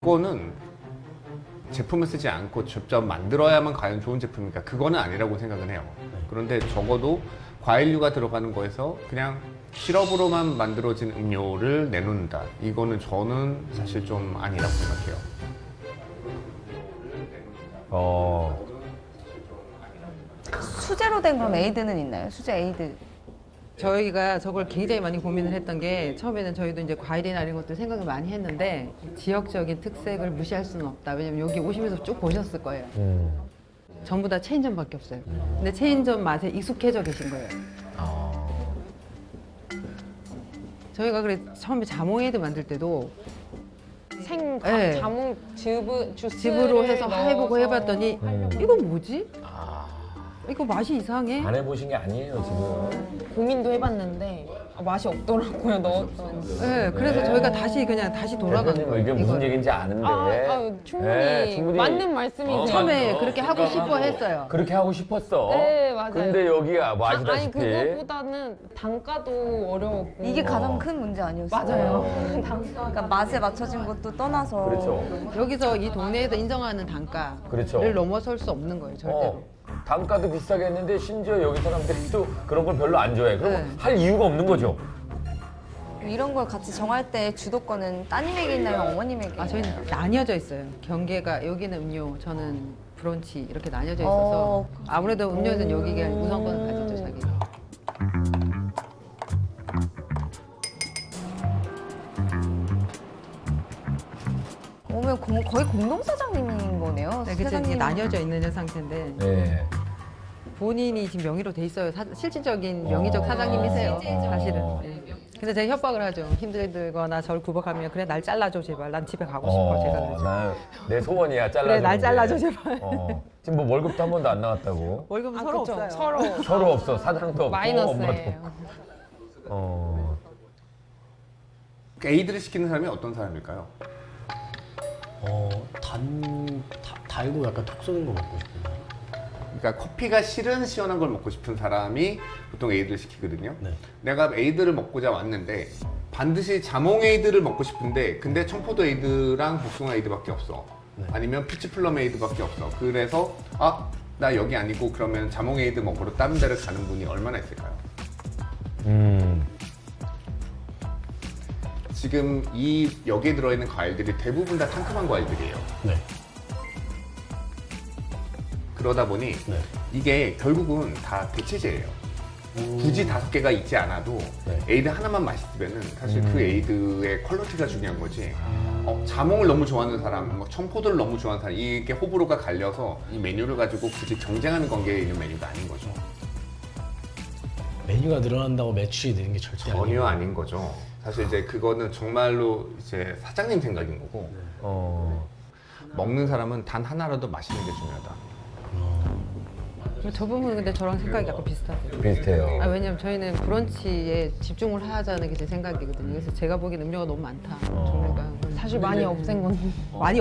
그거는 제품을 쓰지 않고 직접 만들어야만 과연 좋은 제품일까? 그거는 아니라고 생각은 해요. 그런데 적어도 과일류가 들어가는 거에서 그냥 시럽으로만 만들어진 음료를 내놓는다. 이거는 저는 사실 좀 아니라고 생각해요. 수제로 된 그럼 에이드는 있나요? 수제 에이드. 저희가 저걸 굉장히 많이 고민을 했던 게 처음에는 저희도 이제 과일이나 이런 것들 생각을 많이 했는데 지역적인 특색을 무시할 수는 없다. 왜냐면 여기 오시면서 쭉 보셨을 거예요. 전부 다 체인점밖에 없어요. 근데 체인점 맛에 익숙해져 계신 거예요. 저희가 그래 처음에 자몽에이드 만들 때도 네. 자몽 주스를 즙으로 해서 해보고 해봤더니 이건 뭐지? 이거 맛이 이상해. 안 해보신 게 아니에요 지금. 고민도 해봤는데 맛이 없더라고요. 넣었더니. 네, 그래서 저희가 다시 돌아간 거예요. 이게 무슨 이거를. 얘기인지 아는데. 충분히, 네, 충분히 맞는 말씀이세요. 처음에 그렇게 하고 싶어 했어요. 그렇게 하고 싶었어. 네, 맞아요. 근데 여기가 뭐 아니 아시다시피 그것보다는 단가도 어려웠고. 이게 가장 큰 문제 아니었어요? 맞아요. 그러니까 맛에 맞춰진 것도 떠나서. 그렇죠. 여기서 이 동네에서 인정하는 단가를 그렇죠. 넘어설 수 없는 거예요, 절대로. 단가도 비싸게 했는데 심지어 여기 사람들이 또 그런 걸 별로 안 좋아해. 그럼 네. 할 이유가 없는 거죠. 이런 걸 같이 정할 때 주도권은 따님에게 있나요? 어머님에게 있나요? 저희는 나뉘어져 있어요. 경계가 여기는 음료, 저는 브런치 이렇게 나뉘어져 있어서 아무래도 음료는 여기가 우선권을 가지죠, 자기. 오면 거의 공동사장님인 거네요. 네, 그치, 이게 나뉘어져 있는 상태인데 네. 본인이 지금 명의로 돼 있어요. 실질적인 명의적 사장님이세요, 사실은. 네. 근데 제가 협박을 하죠. 힘들거나 저를 구박하면 그래 날 잘라줘 제발. 난 집에 가고 싶어. 제가 그러죠. 내 소원이야 잘라줘. 그래 날 잘라줘 제발. 지금 뭐 월급도 한 번도 안 나왔다고. 월급은 아, 서로 그쵸. 없어요. 서로 서로 없어. 사장도 없고 마이너스예요. 엄마도. 에이드를 시키는 사람이 어떤 사람일까요? 달고 약간 톡 쏘는 거 먹고 싶은데. 그러니까 커피가 싫은 시원한 걸 먹고 싶은 사람이 보통 에이드를 시키거든요. 네. 내가 에이드를 먹고자 왔는데 반드시 자몽 에이드를 먹고 싶은데 근데 청포도 에이드랑 복숭아 에이드밖에 없어. 네. 아니면 피치 플럼 에이드밖에 없어. 그래서 나 여기 아니고 그러면 자몽 에이드 먹으러 다른 데를 가는 분이 얼마나 있을까요? 지금 여기에 들어있는 과일들이 대부분 다 상큼한 과일들이에요. 네. 그러다 보니 네. 이게 결국은 다 대체제예요. 굳이 5개가 있지 않아도 네. 에이드 하나만 맛있으면은 사실 그 에이드의 퀄리티가 중요한 거지. 자몽을 너무 좋아하는 사람, 뭐 청포도를 너무 좋아하는 사람, 이게 호불호가 갈려서 이 메뉴를 가지고 굳이 경쟁하는 관계에 있는 메뉴가 아닌 거죠. 메뉴가 늘어난다고 매출이 느는 게 절대 전혀 아니에요. 아닌 거죠. 사실 이제 그거는 정말로 이제 사장님 생각인 거고 먹는 사람은 단 하나라도 맛있는 게 중요하다. 저 부분은 근데 저랑 생각이 약간 비슷하세요. 비슷해요. 왜냐면 저희는 브런치에 집중을 하자는 게 제 생각이거든요. 그래서 제가 보기엔 음료가 너무 많다. 종류가. 사실 많이 없앤 건 많이